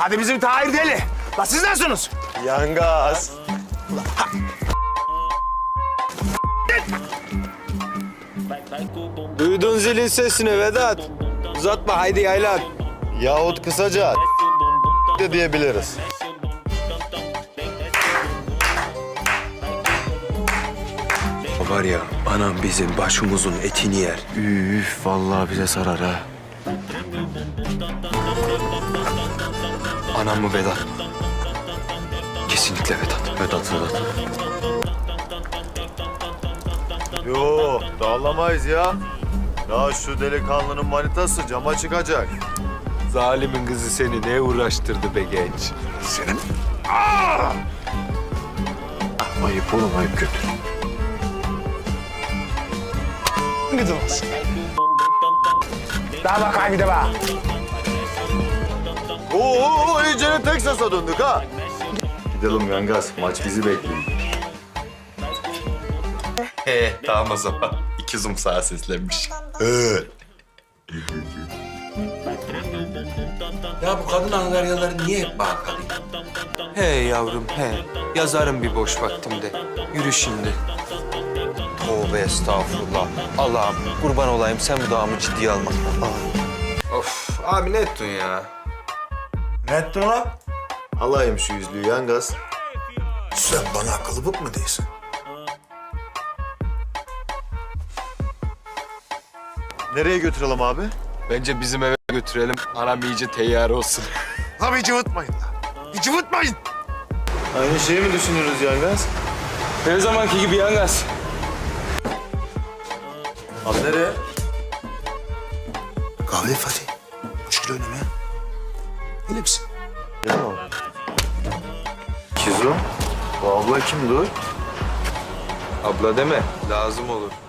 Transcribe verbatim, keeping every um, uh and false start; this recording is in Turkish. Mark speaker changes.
Speaker 1: Hadi bizim Tahir deli. La siz nasılsınız?
Speaker 2: Yangaz.
Speaker 3: Duydun zilin sesini Vedat. Uzatma haydi yaylan.
Speaker 2: Yahut kısaca de diyebiliriz.
Speaker 3: Var ya anam bizim başımızın etini yer.
Speaker 4: Üf vallahi bize sarar ha.
Speaker 3: Anam mı Vedat? Kesinlikle Vedat.
Speaker 4: Vedat Vedat.
Speaker 2: Yo, dağlamayız ya. Ya şu delikanlının manitası cama çıkacak.
Speaker 3: Zalimin kızı seni ne uğraştırdı be genç?
Speaker 1: Senin... Aa!
Speaker 4: Ayıp oğlum ayıp kötü.
Speaker 1: Gıdılmaz. Daha bakayım bir de bak.
Speaker 2: Oo, iyice Texas'a döndük ha. Gidelim Yangaz, maç bizi bekliyor.
Speaker 5: He, tamam o zaman. İki zoom sağa seslenmiş.
Speaker 2: Evet.
Speaker 6: Ya bu kadın angaryaları niye hep bana kalıyor?
Speaker 3: He yavrum he. Yazarım bir boş vaktimde. Yürü şimdi. Tövbe estağfurullah. Allah'ım kurban olayım sen bu dağımı ciddiye alma. Of abi ne ettin ya?
Speaker 1: Ne ettin lan?
Speaker 2: Alayım şu yüzlüğü Yangaz.
Speaker 1: Sen bana akıllı mı değilsin?
Speaker 2: Nereye götürelim abi?
Speaker 3: Bence bizim eve götürelim. Anam iyice teyyar olsun.
Speaker 1: La bir cıvıtmayın la. Bir cıvıtmayın.
Speaker 2: Aynı şeyi mi düşünüyoruz Yangaz?
Speaker 3: Her zamanki gibi Yangaz.
Speaker 2: Abi nereye?
Speaker 1: Kahve Fatih. Üç kilo önüme. Öyle misin?
Speaker 2: Ya. Kizo, bu abla kimdi o?
Speaker 3: Abla deme lazım olur.